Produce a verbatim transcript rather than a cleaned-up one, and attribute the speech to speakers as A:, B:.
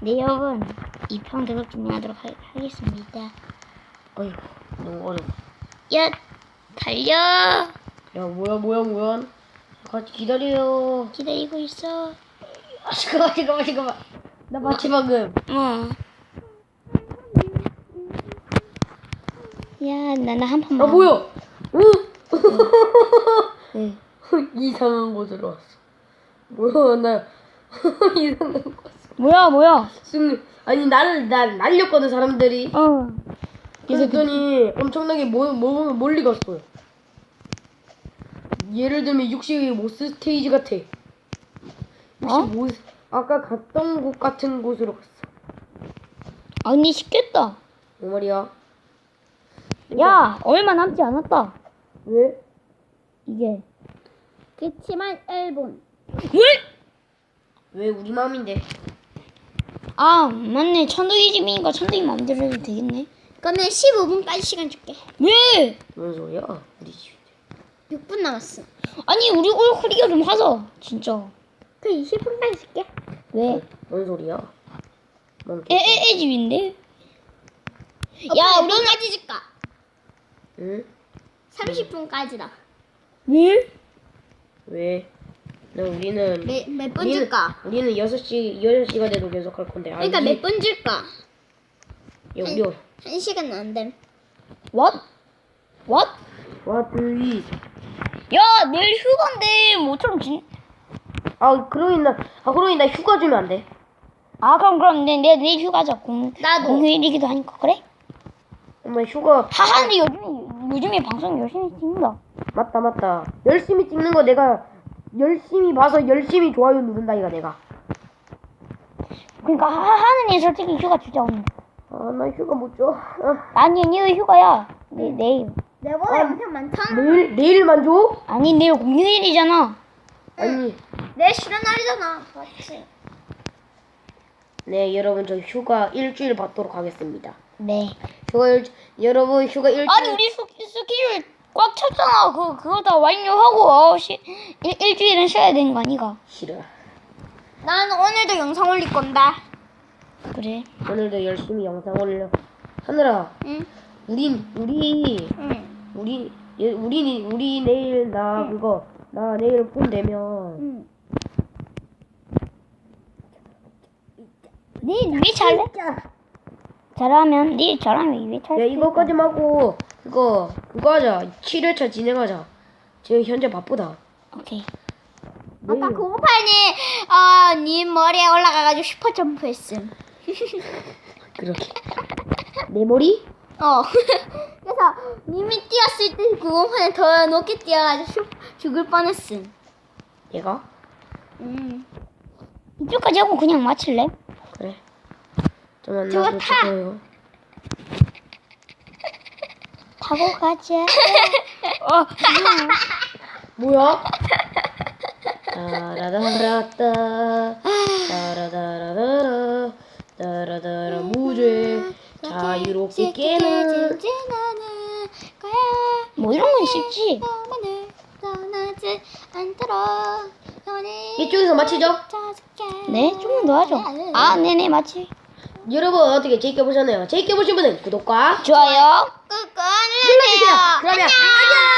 A: 네 여러분 이 편 계속 진행하도록 하, 하겠습니다.
B: 어휴 너무 어려워.
A: 야 달려.
B: 야 뭐야 뭐야 뭐야. 같이 기다려요.
A: 기다리고 있어.
B: 아 잠깐만 잠깐만 잠깐만. 나 마치 방금.
A: 어. 야 나나 한 판만.
B: 아 뭐야? 응?
A: 네.
B: 이상한 곳으로 왔어. 뭐야 나 이상한 곳.
A: 뭐야 뭐야?
B: 승 아니 나를 날 날렸거든 사람들이.
A: 어.
B: 그랬더니 엄청나게 모, 모, 멀리 갔어요. 예를 들면 육십오 스테이지 같아.
A: 어?
B: 육십오 아까 갔던 곳 같은 곳으로 갔어.
A: 아니 쉽겠다.
B: 뭐 말이야?
A: 야 얼마 남지 않았다.
B: 왜?
A: 이게.
C: 그치만 일 분.
A: 왜?
B: 왜 우리 마음인데?
A: 아 맞네. 천둥이 집이니까 천둥이 마음대로 해도 되겠네.
C: 그러면 십오 분까지 시간 줄게.
A: 왜?
B: 뭔 소리야? 우리 집.
C: 육 분 남았어.
A: 아니 우리 얼굴이가 좀 하자. 진짜.
C: 그 이십 분까지 줄게.
A: 왜?
B: 뭔 소리야? 뭔
A: 애, 애, 애 집인데?
C: 어,
A: 야,
C: 몇
A: 우리는.
C: 분까지 줄까?
B: 응?
C: 삼십 분까지다.
A: 왜?
B: 왜? 나 우리는
C: 몇 몇 분
B: 우리는-
C: 줄까?
B: 우리는 여섯 시 여섯 시가 돼도 계속 할 건데.
C: 그러니까
B: 아니,
C: 몇 분 줄까?
B: 야 우리
C: 한 시간은 안 됨.
A: What? What?
B: 와트이.
A: 야, 내일 휴가인데, 뭐처럼 진.
B: 아 그러니 나아 그러니 나 휴가 주면 안 돼?
A: 아, 그럼, 그럼, 내, 내, 내일 휴가자. 공,
C: 나도.
A: 공휴일이기도 하니까, 그래?
B: 엄마 휴가.
A: 하하, 근데 요즘, 요즘에 방송 열심히 찍는다.
B: 맞다 맞다. 열심히 찍는 거 내가 열심히 봐서 열심히 좋아요 누른다 이가 내가.
A: 그러니까, 하하는 애 솔직히 휴가 주자, 오늘.
B: 아 나 휴가 못 줘. 아,
A: 아니, 니 휴가야. 내, 내일.
C: 내보다
B: 아,
C: 영상 많잖아.
B: 내일 내일만 줘?
A: 아니, 내일 공휴일이잖아.
B: 아니.
C: 내 쉬는 날이잖아. 맞지?
B: 네 여러분 저 휴가 일주일 받도록 하겠습니다.
A: 네.
B: 휴가 일 여러분 휴가 일주일.
A: 아니, 우리 스, 스케줄 꽉 찼잖아. 그, 그거 다 완료하고, 어, 시, 일, 일주일은 쉬어야 되는 거 아니가?
B: 싫어.
C: 난 오늘도 영상 올릴 건다.
A: 그래.
B: 오늘도 열심히 영상 올려. 하늘아.
C: 응.
B: 우린 우리
C: 응.
B: 우리 예, 우리 우리 내일 나 그거 나 내일 폰 되면
C: 응.
A: 니, 왜 잘래? 잘하면, 니 잘하면 왜 잘해?
B: 야 이거까지 하고 그거 그거 하자. 칠 회차 진행하자. 지금 현재 바쁘다.
A: 오케이.
C: 아까
B: 내일.
C: 고고파니 어, 님 머리에 올라가가지고 슈퍼 점프했음.
B: 그렇게 내 머리?
C: 어. 그래서 님이 뛰었을 때 고고파니 더 높게 뛰어가지고 슈, 죽을 뻔했음.
B: 얘가?
C: 음.
A: 이쪽까지 하고 그냥 마칠래?
B: 그래. 좀 만나고
C: 저거 타.
B: 싶어요.
A: 타고 가자. 어,
B: 뭐야? 따라다라따 따라다라다라 따라다라 무죄 자유롭게 깨는.
C: 지나는 거야.
A: 뭐 이런 건 쉽지.
C: 영원을 떠나지 않도록 영원히
B: 이쪽에서 마치죠?
C: 찾을게.
A: 네, 조금 더 하죠. 아, 네네, 맞지.
B: 여러분 어떻게 재밌게 보셨나요? 재밌게 보신 분은 구독과
A: 좋아요.
C: 꾹꾹
B: 눌러주세요.
C: 눌러주세요.
B: 그러면 안녕.